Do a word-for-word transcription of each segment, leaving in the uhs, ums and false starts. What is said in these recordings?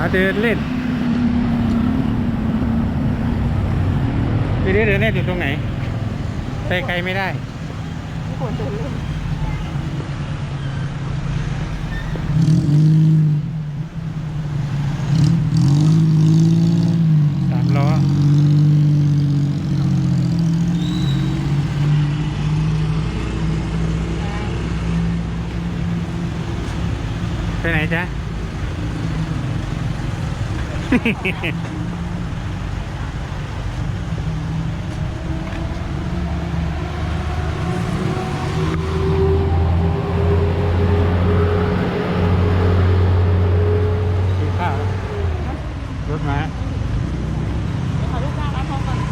เดินเล่นไปเดินเดินเล่นอยู่ตรงไหนไปไกลไม่ได้ไม่ควรเดินเล่นสามล้อไปไหนจ๊ะ กินข้าวรถมาขอลูกจ้างร้านทองก่อน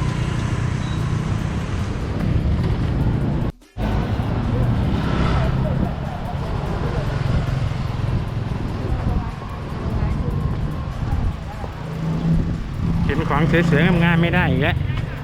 เห็นของสวยๆงามๆไม่ได้อีกแล้ว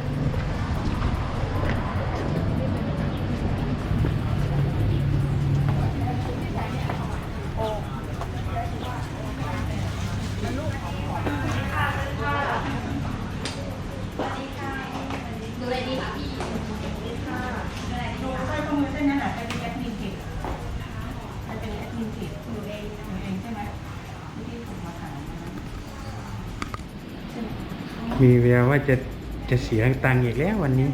ดูอะไรดีคะพี่ดูสร้อยข้อมือเส้นนั้นอ่ะเป็นแอดมินเพจมันเป็นแอดมินเพจดูเองดูเองใช่ไหมที่ที่ผมมาถามมีแววว่าจะจะเสียตังค์อีกแล้ววันนี้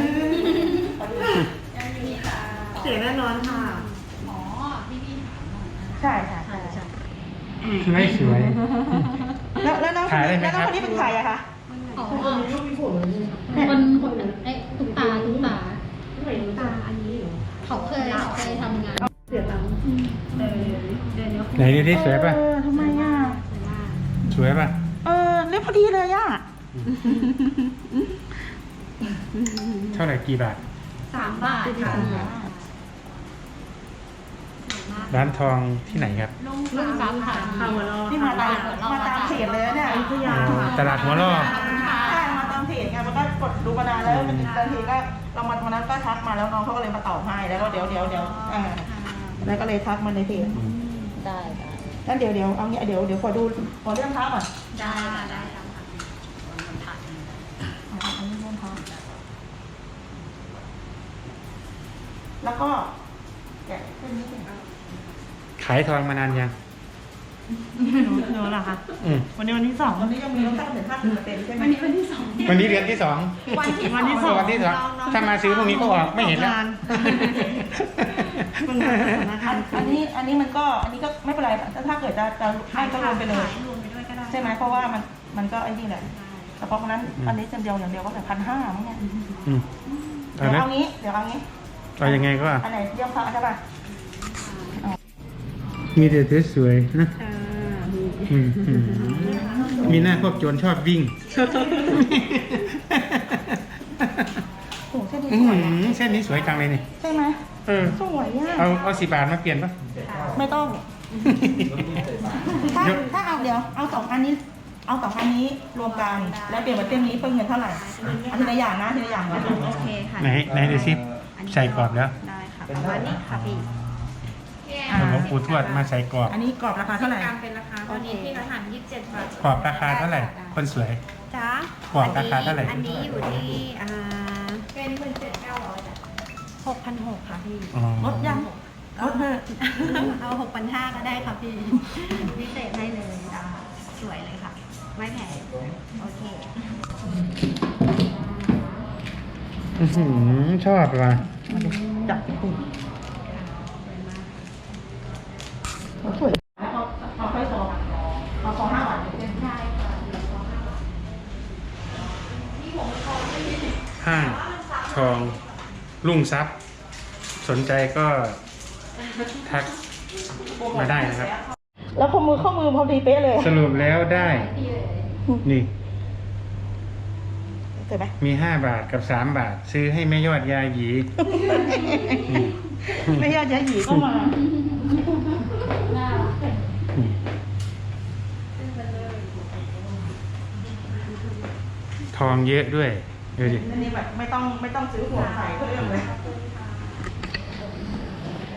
เสียแน่นอนค่ะอ๋อพี่พี่ใช่ค่ะใช่ใช่ไม่สวยแล้วแล้วน้องคนนี้แล้วน้องคนนี้เป็นใครอะคะอ๋อคนคนไอ้ตุ๊กตาตุ๊กตาตุ๊กตาอันนี้เขาเคยเคยทำงานเสียตังค์เออเดือนเดียวไหนดูที่สวยป่ะเออทำไมอ่ะสวยป่ะเออเล็บพอดีเลยอ่ะเท่าไหร่กี่บาทสามบาทค่ะร้านทองที่ไหนครับลุงสามค่ะนี่มาตามมาตามเพจเลยนะเนี่ยอยุธยาตลาดหัวล่อใช่มาตามเพจไงมันก็กดดูมานานแล้วมันบางทีก็เรามาวันนั้นก็ทักมาแล้วน้องเขาก็เลยมาตอบให้แล้วก็เดี๋ยวเดี๋ยวเดี๋ยวอ่าแล้วก็เลยทักมาในเพจได้ได้งั้นเดี๋ยวเดี๋ยวเอางี้เดี๋ยวเดี๋ยวขอดูขอเรื่องเท้าก่อนได้ค่ะได้ค่ะอ่าอันนี้เรื่องเท้าแล้วก็แกะเส้นนี้เป็นขายทองมานานยังหนูเหรอคะอืมวันนี้วันที่สองวันนี้ยังมีลดตั้งถึงห้าสิบเปอร์เซ็นต์ใช่ไหมวันนี้วันที่สองวันนี้เดือนที่สองวันที่วันที่สสองวันที่สองถ้ามาซื้อพรุ่งนี้ก็ออกไม่เห็นแล้วเพิ่งมาจากธนาคารอันนี้อันนี้มันก็อันนี้ก็ไม่เป็นไรแต่ถ้าเกิดจะจะให้ก็รวมไปเลยรวมไปด้วยก็ได้ใช่ไหมเพราะว่ามันมันก็ไอ้นี่แหละแต่เพราะฉะนั้นอันนี้จำเดียวอย่างเดียวก็แต่พันห้ามั้งเนี่ยอืมเดี๋ยวเอางี้เดี๋ยวเอางี้เอายังไงก็อันไหนเยี่ยมพระใช่ป่ะมีแต่สวยๆนะอืมอืมมีหน้าพวกโจรชอบวิ่งโอ้โหเส้นนี้อื้อสวยหือะอเส้นนี้สวยจังเลยนี่ใช่ไหมเออสวยอ่ะเอาเอาสิบบาทมาเปลี่ยนปะไม่ต้องถ้าถ้าเอาเดี๋ยวเอาสองอันนี้ เอาสองอันนี้รวมกันแล้วเปลี่ยนเป็นเส้นนี้เพิ่มเงินเท่าไหร่อันทีละอย่างนะทีละอย่างนะโอเคค่ะไหนไหนดูสิใส่กรอบแล้วได้ค่ะประมาณนี้ค่ะพี่อ่าหลวงปู่ทวดมาใส่กรอบอันนี้กรอบราคาเท่าไหร่การเป็นราคาตอนนี้พี่กระถางยี่สิบเจ็ดบาทกรอบราคาเท่าไหร่ คนสวยจ้ากรอบราคาเท่าไหร่อันนี้อยู่ที่อ่าเป็นหมื่นเจ็ดเก้าร้อยหกพันหกค่ะพี่อ๋อลดยังลดเถอะเอาหกพันห้าก็ได้ค่ะพี่พิเศษให้เลยจ้าสวยเลยค่ะ ไม่แพงโอเคอื้อหือชอบว่ะจับติดสวยเอาเอาค่อยสองเอาสองห้าบาทใช่ค่ะห้างทองรุ่งทรัพย์ สนใจก็ทักมาได้นะครับแล้วข้อมือข้อมือพอดีเป๊ะเลยสรุปแล้วได้ นี่เห็นไหมมีห้าบาทกับสามบาท ซื้อให้แม่ยอดยาหยีนี่ไม่ยอดยาหยีก็มานี่ทองเยอะด้วยดูดิอันนี้แบบไม่ต้องไม่ต้องซื้อหัวใส่ก็เรื่องเลย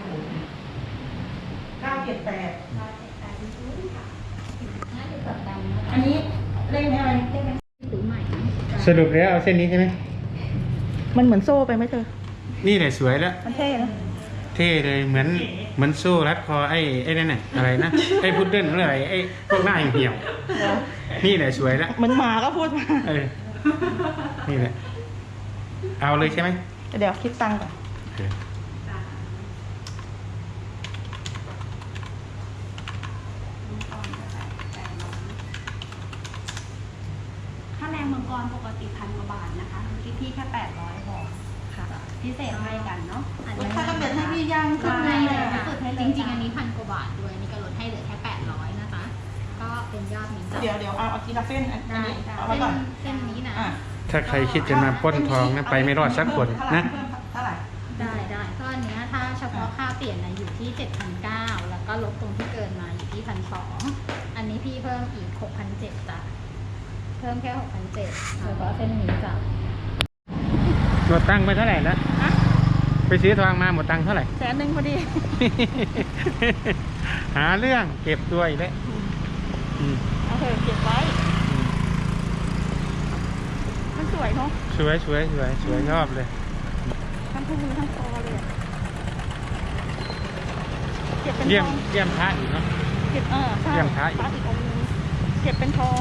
เก้าเจ็ดแปดน่าจะตัดดำนนี้เล่นไหมอะไรเล่นไหมหรือใหม่นะสรุปแล้วเอาเส้นนี้ใช่ไหมมันเหมือนโซ่ไปไหมเธอนี่แหละสวยแล้วมันเท่นะเท่เลยเหมือนเหมือนโซ่รัดคอไอ้ไอ้นั่นน่ะอะไรนะไอ้พุดเดิ้ลหรืออะไรไอ้พวกหน้าเหี่ยวๆนี่แหละสวยแล้วเหมือนหมาก็พูดมาเออนี่แหละเอาเลยใช่ไหมเดี๋ยวคิดตังค์ก่อนโอเคถ้าแรงมังกรปกติพันกว่าบาทนะคะเมื่อกี้พี่แค่แปดร้อยพอค่ะพิเศษให้กันเนาะอันนี้ถ้ากำเนิดให้พี่ยังก็ขึ้นให้ให้เลเลย ยค่ะค่ะจริงๆ อันนี้พันกว่าบาทด้วยอันนี้ก็ลดให้เหลือแค่แปดร้อยนะคะ ก็เป็นยอดนี้จ้ะเดี๋ยวเดี๋ยวเอาเอาทีละเส้นอันได้นี้ได้เอาไว้ก่อนเส้นนี้นะอ่ะถ้าใครคิดจะมาปล้นทองนะไปไม่รอดสักคนนะเท่าไหร่ได้ได้ก็อันเนี้ยถ้าเฉพาะค่าเปลี่ยนนะอยู่ที่เจ็ดพันเก้าแล้วก็ลบตรงที่เกินมาอยู่ที่พันสองอันนี้พี่เพิ่มอีกหกพันเจ็ดจ้ะเพิ่มแค่หกพันเจ็ดเฉพาะเส้นนี้จ้ะหมดตังค์ไปเท่าไหร่แล้วฮะไปซื้อทองมาหมดตังค์เท่าไหร่แสนหนึ่งพอดีหาเรื่องเก็บตัวอีกแล้วอืมเอาเถอะเก็บไว้ มันสวยเนาะสวยสวยสวยสวยชอบเลยทั้งคู่มือทั้งคอเลยอะเก็บเป็นทเยี่ยมองเยี่ยมพระอีกเนาะเก็บเออใช่เยี่ยมพระอีกพระอีกองค์นึงเก็บเป็นทอง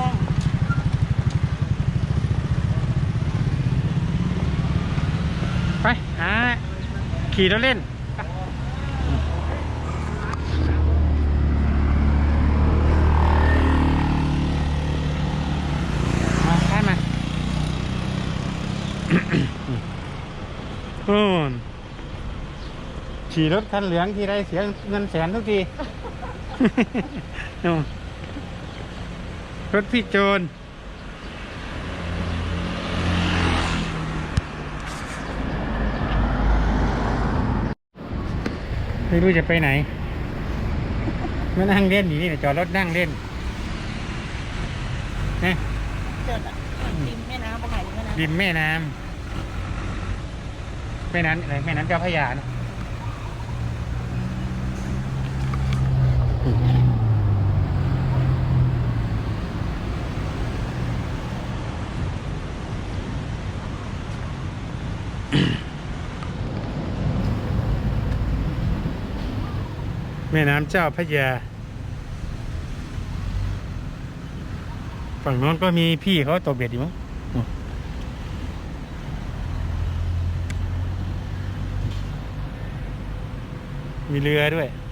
ไปหาขี่รถเล่น มาใช่มา โอ้นขี่รถคันเหลืองทีไรเสียเงินแสนทุกที โน่นรถพี่โจร ไม่รู้จะไปไหนมานั่งเล่นอยู่นี่จอดรถนั่งเล่นนะเกิดอะริมแม่น้ำไปไหนริมแม่น้ำริมแม่น้ำแม่น้ำอะไรแม่น้ำเจ้าพระยานะแม่น้ำเจ้าพระยาฝั่งโน้นก็มีพี่เขาตกเบ็ดอยู่มั้งมีเรือด้วย